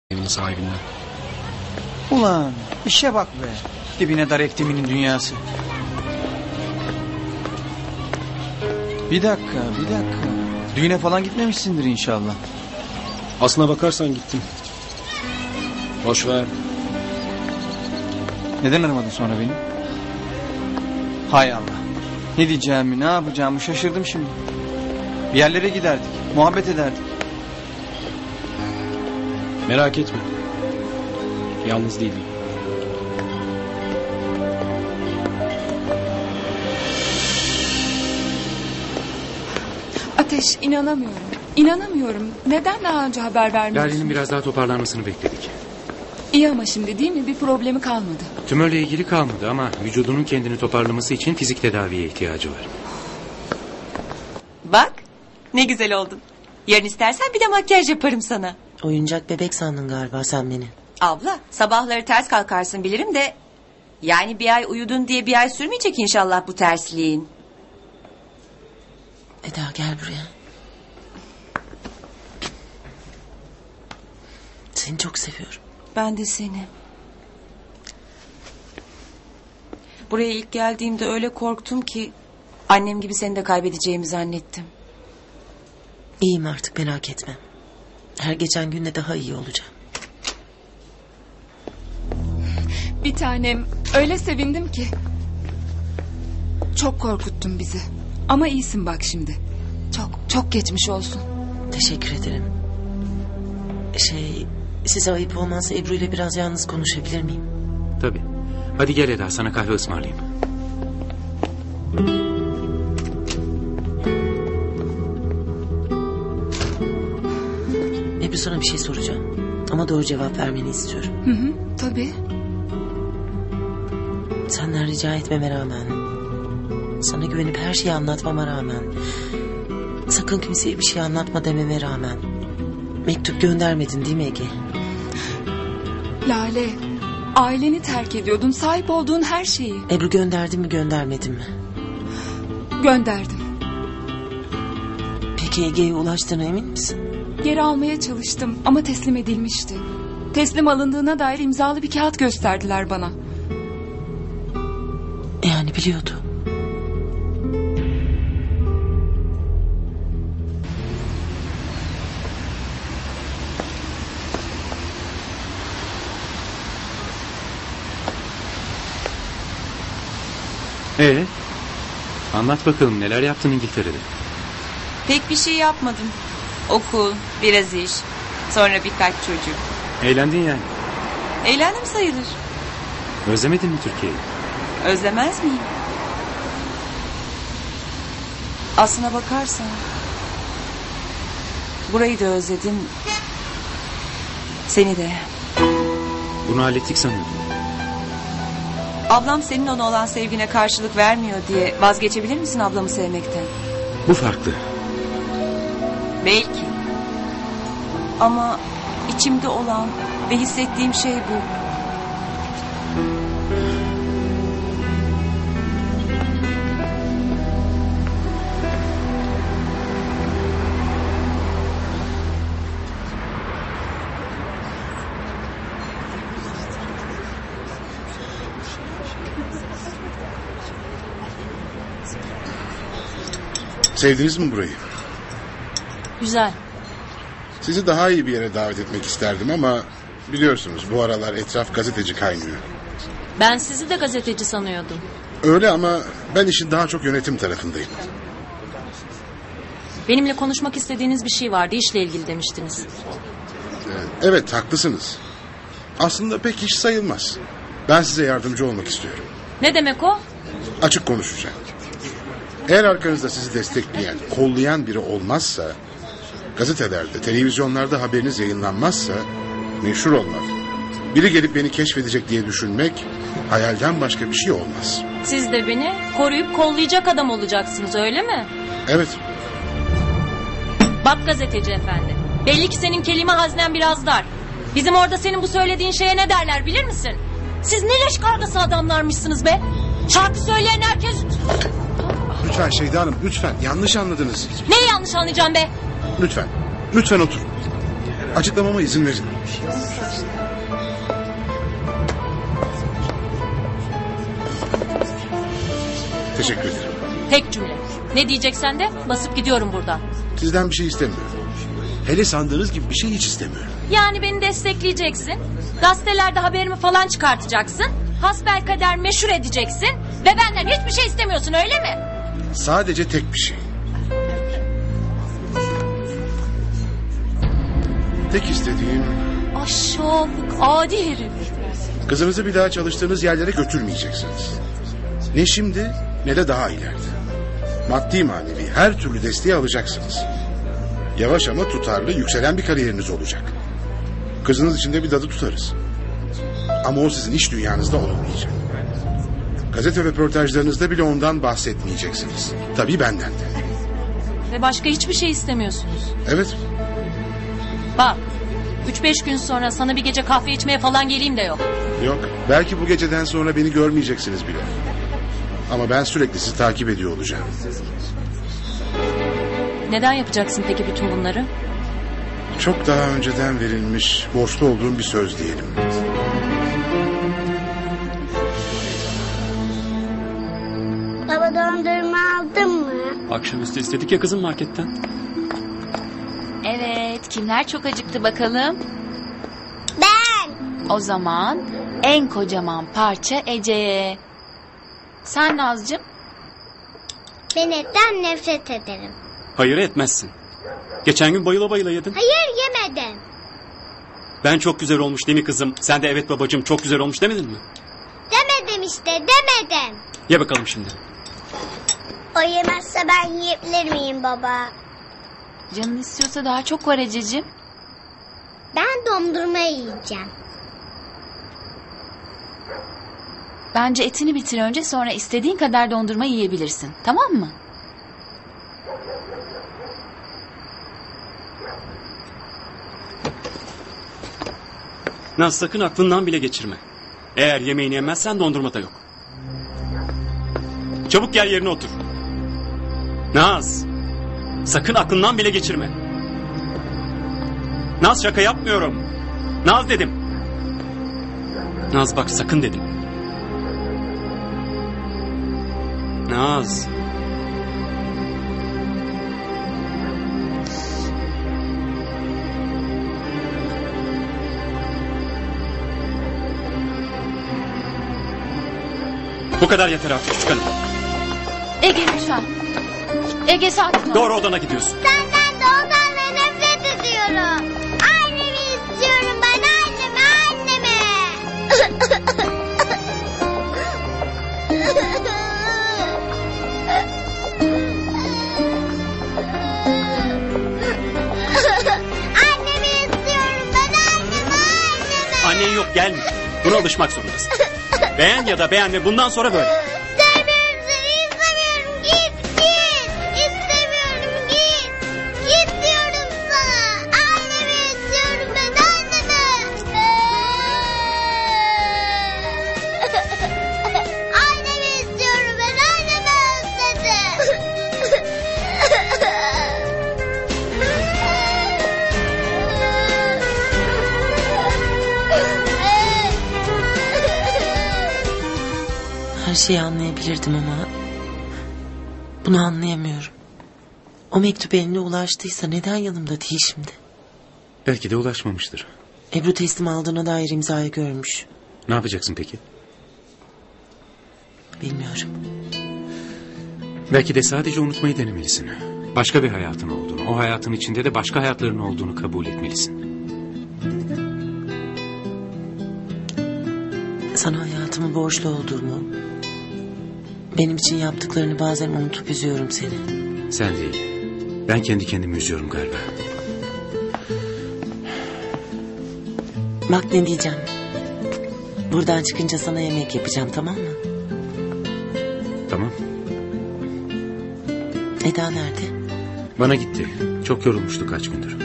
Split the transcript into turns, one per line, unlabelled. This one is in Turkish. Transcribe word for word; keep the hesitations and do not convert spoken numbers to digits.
evinin sahibinden.
Ulan işe bak be. Dibine dar ektiminin dünyası. Bir dakika bir dakika. Düğüne falan gitmemişsindir inşallah.
Aslına bakarsan gittim. Boş ver.
Neden aramadın sonra beni? Hay Allah. Ne diyeceğimi ne yapacağımı şaşırdım şimdi. Bir yerlere giderdik. Muhabbet ederdik.
Merak etme. Yalnız değilim.
Ateş, inanamıyorum. İnanamıyorum. Neden daha önce haber vermiyorsun?
Lale'nin biraz daha toparlanmasını bekledik.
İyi ama şimdi değil mi? Bir problemi kalmadı.
Tümörle ilgili kalmadı ama vücudunun kendini toparlaması için fizik tedaviye ihtiyacı var.
Bak ne güzel oldun. Yarın istersen bir de makyaj yaparım sana.
Oyuncak bebek sandın galiba sen beni.
Abla sabahları ters kalkarsın bilirim de... Yani bir ay uyudun diye bir ay sürmeyecek inşallah bu tersliğin.
Eda gel buraya. Seni çok seviyorum.
Ben de seni. Buraya ilk geldiğimde öyle korktum ki... Annem gibi seni de kaybedeceğimi zannettim.
İyiyim artık merak etme. Her geçen günde daha iyi olacağım.
Bir tanem, öyle sevindim ki. Çok korkuttun bizi. Ama iyisin bak şimdi. Çok çok geçmiş olsun.
Teşekkür ederim. Şey, size ayıp olmazsa Ebru ile biraz yalnız konuşabilir miyim?
Tabii. Hadi gel Eda, sana kahve ısmarlayayım.
Ebru sana bir şey soracağım. Ama doğru cevap vermeni istiyorum.
Hı hı, tabii.
Senden rica etmeme rağmen... Sana güvenip her şeyi anlatmama rağmen... Sakın kimseye bir şey anlatma dememe rağmen... Mektup göndermedin değil mi Ege?
Lale, aileni terk ediyordun, sahip olduğun her şeyi.
Ebru gönderdin mi göndermedin mi?
Gönderdim.
Peki Ege'ye ulaştığına emin misin?
Geri almaya çalıştım ama teslim edilmişti. Teslim alındığına dair imzalı bir kağıt gösterdiler bana.
Yani biliyordu.
Ee, anlat bakalım neler yaptın İngiltere'de?
Pek bir şey yapmadım. Okul, biraz iş, sonra birkaç çocuk.
Eğlendin yani.
Eğlendim sayılır.
Özlemedin mi Türkiye'yi?
Özlemez miyim? Aslına bakarsan... Burayı da özledim. Seni de.
Bunu hallettik sanıyordum.
Ablam senin ona olan sevgine karşılık vermiyor diye vazgeçebilir misin ablamı sevmekten?
Bu farklı.
Belki. Ama içimde olan ve hissettiğim şey bu.
Sevdiniz mi burayı?
Güzel.
Sizi daha iyi bir yere davet etmek isterdim ama... Biliyorsunuz bu aralar etraf gazeteci kaynıyor.
Ben sizi de gazeteci sanıyordum.
Öyle ama ben işin daha çok yönetim tarafındayım.
Benimle konuşmak istediğiniz bir şey vardı, işle ilgili demiştiniz.
Ee, evet haklısınız. Aslında pek iş sayılmaz. Ben size yardımcı olmak istiyorum.
Ne demek o?
Açık konuşacağım. Eğer arkanızda sizi destekleyen, kollayan biri olmazsa... Gazetelerde, televizyonlarda haberiniz yayınlanmazsa... Meşhur olmak, biri gelip beni keşfedecek diye düşünmek... Hayalden başka bir şey olmaz.
Siz de beni koruyup kollayacak adam olacaksınız öyle mi?
Evet.
Bak gazeteci efendi. Belli ki senin kelime haznen biraz dar. Bizim orada senin bu söylediğin şeye ne derler bilir misin? Siz ne leş kargası adamlarmışsınız be. Şarkı söyleyen herkes...
Lütfen Şeyda Hanım lütfen yanlış anladınız.
Neyi yanlış anlayacağım be?
Lütfen. Lütfen otur. Açıklamama izin verin. Teşekkür ederim.
Tek cümle. Ne diyeceksen de basıp gidiyorum buradan.
Sizden bir şey istemiyorum. Hele sandığınız gibi bir şey hiç istemiyorum.
Yani beni destekleyeceksin. Gazetelerde haberimi falan çıkartacaksın. Hasbelkader meşhur edeceksin. Ve benden hiçbir şey istemiyorsun, öyle mi?
Sadece tek bir şey. Tek istediğim
Aşağılık, adi herif.
kızınızı bir daha çalıştığınız yerlere götürmeyeceksiniz. Ne şimdi ne de daha ileride. Maddi manevi her türlü desteği alacaksınız. Yavaş ama tutarlı yükselen bir kariyeriniz olacak. Kızınız için de bir dadı tutarız. Ama o sizin iş dünyanızda olmayacak. Gazete röportajlarınızda bile ondan bahsetmeyeceksiniz. Tabii benden de.
Ve başka hiçbir şey istemiyorsunuz.
Evet.
Bak, üç beş gün sonra sana bir gece kahve içmeye falan geleyim de yok.
Yok. Belki bu geceden sonra beni görmeyeceksiniz bile. Ama ben sürekli sizi takip ediyor olacağım.
Neden yapacaksın peki bütün bunları?
Çok daha önceden verilmiş, borçlu olduğum bir söz diyelim.
Baba dondurma aldın mı?
Akşamüstü istedik ya kızım marketten.
Evet, kimler çok acıktı bakalım?
Ben.
O zaman en kocaman parça Ece'ye. Sen Nazcığım?
Ben etten nefret ederim.
Hayır etmezsin. Geçen gün bayıla bayıla yedin.
Hayır yemedim.
Ben çok güzel olmuş değil mi kızım? Sen de evet babacığım çok güzel olmuş demedin mi?
Demedim işte demedim.
Ye bakalım şimdi.
O yemezse ben yiyebilir miyim baba?
Canın istiyorsa daha çok var Ececiğim.
Ben dondurma yiyeceğim.
Bence etini bitir önce, sonra istediğin kadar dondurma yiyebilirsin. Tamam mı?
Naz sakın aklından bile geçirme. Eğer yemeğini yemezsen dondurma da yok. Çabuk gel yerine otur. Naz. Sakın aklından bile geçirme. Naz şaka yapmıyorum. Naz dedim. Naz bak sakın dedim. Naz. Bu kadar yeter artık çıkalım.
Ege lütfen. Ege sakin ol.
Doğru odana gidiyorsun.
Senden de ondan nefret ediyorum. Annemi istiyorum ben annemi annemi. Annemi istiyorum ben annemi annemi.
Annen yok gelme. Buna alışmak zorundasın. Beğen ya da beğenme bundan sonra böyle.
Sevmiyorum seni istemiyorum git git. İstemiyorum git. Git diyorum sana. Annemi istiyorum ben annemi. Annemi istiyorum ben annemi özledim.
Her şeyi anlayabilirdim ama bunu anlayamıyorum. O mektup eline ulaştıysa neden yanımda değil şimdi?
Belki de ulaşmamıştır.
Ebru teslim aldığına dair imzayı görmüş.
Ne yapacaksın peki?
Bilmiyorum.
Belki de sadece unutmayı denemelisin. Başka bir hayatın olduğunu, o hayatın içinde de başka hayatların olduğunu kabul etmelisin.
Sana hayatımı borçlu olduğumu, benim için yaptıklarını bazen unutup üzüyorum seni.
Sen değil. Ben kendi kendimi üzüyorum galiba.
Bak ne diyeceğim. Buradan çıkınca sana yemek yapacağım, tamam mı?
Tamam.
Eda nerede?
Bana gitti. Çok yorulmuştu kaç gündür.